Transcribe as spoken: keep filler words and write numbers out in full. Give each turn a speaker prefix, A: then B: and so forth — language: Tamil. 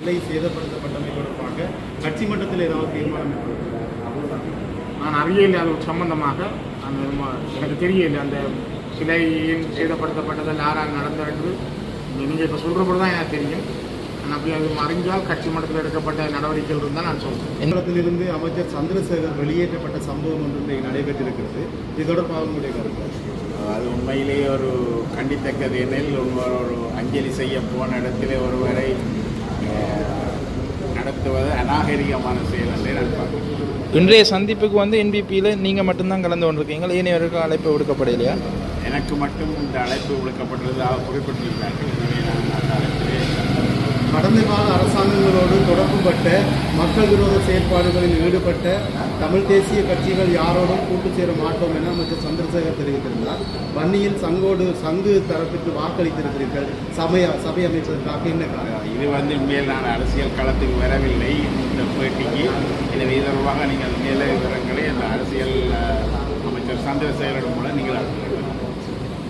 A: சிலை சேதப்படுத்தப்பட்டமை தொடர்பாக கட்சி மட்டத்தில் ஏதாவது தீர்மானம்
B: நான் அறியலை அது சம்பந்தமாக அந்த எனக்கு தெரியல அந்த சிலையின் சேதப்படுத்தப்பட்டதில் யாரால் நடந்தது என்று நீங்கள் இப்போ சொல்கிறபோது தான் எனக்கு தெரியும். நான் அப்படி அது அறிஞ்சால் கட்சி மட்டத்தில் எடுக்கப்பட்ட நடவடிக்கைகள் இருந்தால் நான் சொல்கிறேன்.
A: எங்களிடத்திலிருந்து அமைச்சர் சந்திரசேகர் வெளியேற்றப்பட்ட சம்பவம் ஒன்று நடைபெற்றிருக்கிறது. இது தொடர்பாக உங்களுடைய கருத்து?
C: அது உண்மையிலேயே ஒரு கண்டித்தக்கது. எனில் ஒரு அஞ்சலி செய்ய போன இடத்திலே ஒருவரை நடத்துவது அநாகரிகமான செயல் என்றே நான் பார்க்கிறேன்.
D: இன்றைய சந்திப்புக்கு வந்து என்பிபியில் நீங்கள் மட்டும்தான் கலந்து கொண்டிருக்கீங்க, ஏனையவருக்கு அழைப்பு விடுக்கப்படலையா?
C: எனக்கு மட்டும் இந்த அழைப்பு விடுக்கப்பட்டுள்ளதாக குறிப்பிட்டிருக்கிறார்கள். எனவே நான் அந்த அழைப்பிலே
A: கடந்த கால அரசாங்கங்களோடு தொடர்புபட்ட மக்கள் விரோத செயற்பாடுகளில் ஈடுபட்ட தமிழ் தேசிய கட்சிகள் யாரோடும் கூட்டு சேர மாட்டோம் என அமைச்சர் சந்திரசேகர் தெரிவித்திருந்தார். வன்னியில் சங்கோடு சங்கு தரப்பிற்கு வாக்களித்திருக்கிறீர்கள். சபை சபை அமைச்சதற்காக என்ன காரணம்?
C: இது வந்து மேல் நான் அரசியல் களத்துக்கு வரவில்லை இந்த பேட்டிக்கு. எனவே தொடர்பாக நீங்கள் மேல விவரங்களை அந்த அரசியல் அமைச்சர் சந்திரசேகரிடம் மூலம் நீங்கள்